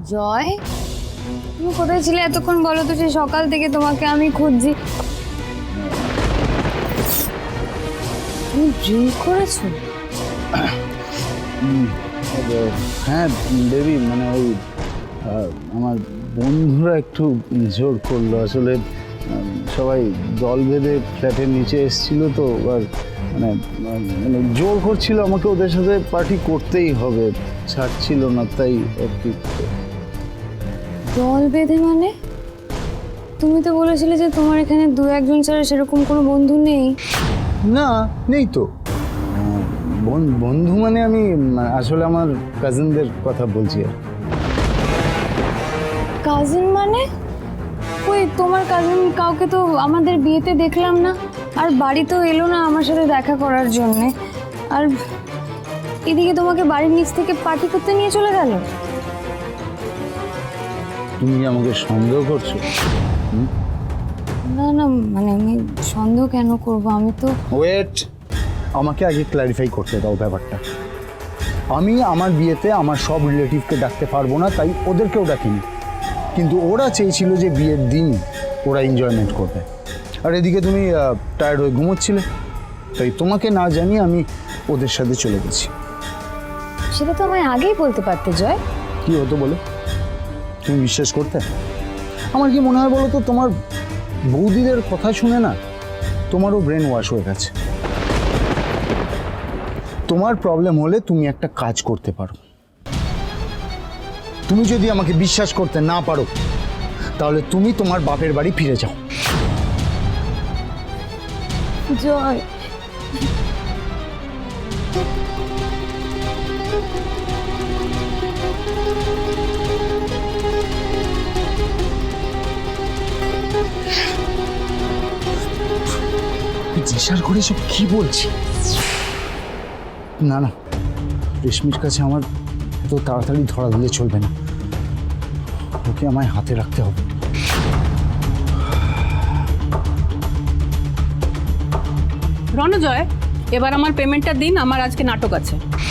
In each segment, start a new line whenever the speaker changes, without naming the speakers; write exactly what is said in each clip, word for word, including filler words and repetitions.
জয়, তুমি কোথায় ছিলে এতক্ষণ বলো তো? সেই সকাল থেকে তোমাকে আমি খুঁজছি। তুমি ড্রিঙ্ক করেছো?
হ্যাঁ দেবী, মানে ওই আমার বন্ধুরা একটু জোর করলো। আসলে সবাই দল বেঁধে ফ্ল্যাটের নিচে এসেছিল তো, আর মানে মানে জোর করছিল আমাকে ওদের সাথে পার্টি করতেই হবে, ছাড়ছিল না, তাই আর কি।
দল বেঁধে মানে? তুমি তো বলেছিলে যে তোমার এখানে দু একজন ছাড়া সেরকম কোনো বন্ধু নেই।
না, নেই তো। বন্ধু মানে আমি আসলে আমার কাজিনদের কথা বলছি। আর
কাজিন মানে? ওই তোমার কাজিন কাউকে তো আমাদের বিয়েতে দেখলাম না, আর বাড়িতেও এলো না আমার সাথে দেখা করার জন্যে। আর এদিকে তোমাকে বাড়ির নিচ থেকে পার্টি করতে নিয়ে চলে গেল।
তুমি কি আমাকে সন্দেহ করছো?
না না, মানে আমি সন্দেহ কেন করব? আমি তো
ওয়েট, আমাকে আগে ক্ল্যারিফাই করতে দাও ব্যাপারটা। আমি আমার বিয়েতে আমার সব রিলেটিভকে ডাকতে পারবো না, তাই ওদেরকেও ডাকিনি। কিন্তু ওরা চেয়েছিল যে বিয়ের দিন ওরা এনজয়মেন্ট করবে, আর এদিকে তুমি টায়ার্ড হয়ে ঘুমোচ্ছিলে, তাই তোমাকে না জানিয়ে আমি ওদের সাথে চলে গেছি।
সেটা তো আমায় আগেই বলতে পারতে জয়।
কি হতো বলো? তুমি বিশ্বাস করতে? আমার কি মনে হয় বলো তো, তোমার বৌদিদের কথা শুনে না তোমারও ব্রেন ওয়াশ হয়ে গেছে। তোমার প্রবলেম হলে তুমি একটা কাজ করতে পারো। তুমি যদি আমাকে বিশ্বাস করতে না পারো, তাহলে তুমি তোমার বাপের বাড়ি ফিরে যাও।
জয়,
জিজ্ঞাসা করে সব কি বলছি? না না, রেশমির কাছে আমার এত তাড়াতাড়ি ধরা দিলে চলবে না, ওকে আমায় হাতে রাখতে হবে।
রণজয়, এবার আমার পেমেন্টটা দিন, আমার আজকে নাটক আছে।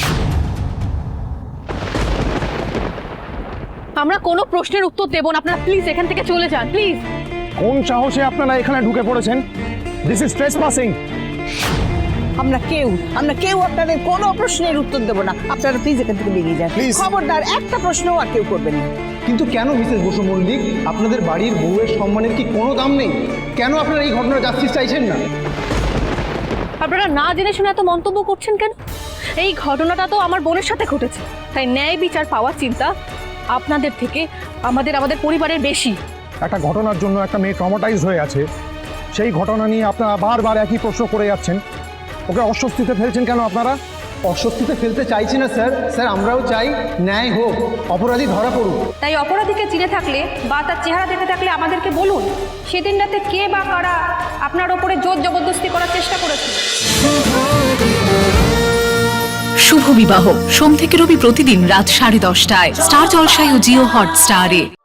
আমরা কোনো প্রশ্নের উত্তর দেব না, আপনারা প্লিজ এখান থেকে চলে যান প্লিজ।
কোন সাহসে আপনারা এখানে ঢুকে পড়েছেন? This is trespassing.
আমরা কেউ আমরা কেউ আপনাদের কোনো প্রশ্নের উত্তর দেব না, আপনারা প্লিজ এখান থেকে বেরিয়ে যান।
Please.
খবরদার, একটা প্রশ্নও আর কেউ করবেন না।
কিন্তু কেন মিসেস বসু মল্লিক, আপনাদের বাড়ির বউয়ের সম্মানের কি কোনো দাম নেই? কেন আপনারা এই ঘটনার জাস্টিস চাইছেন না?
আপনারা না জেনে শুনে এত মন্তব্য করছেন কেন? এই ঘটনাটা তো আমার বোনের সাথে ঘটেছে, তাই ন্যায় বিচার পাওয়ার চিন্তা আপনাদের থেকে আমাদের আমাদের পরিবারের বেশি।
একটা ঘটনার জন্য একটা মেয়ে ট্রমাটাইজ হয়ে আছে, সেই ঘটনা নিয়ে আপনারা বারবার একই প্রশ্ন করে যাচ্ছেন। ওকে অস্বস্তিতে ফেলছেন কেন আপনারা? অস্বস্তিতে ফেলতে চাইছি না স্যার। স্যার, আমরাও চাই ন্যায় হোক, অপরাধী ধরা পড়ুক।
তাই অপরাধীকে চিনে থাকলে বা তার চেহারা দেখে থাকলে আমাদেরকে বলুন, সেদিন রাতে কে বা কারা আপনার ওপরে জোর জবরদস্তি করার চেষ্টা করেছে।
শুভ বিবাহ সোম থেকে রবি প্রতিদিন রাত সাড়ে দশটায় স্টার জলসায় ও জিও হটস্টারে।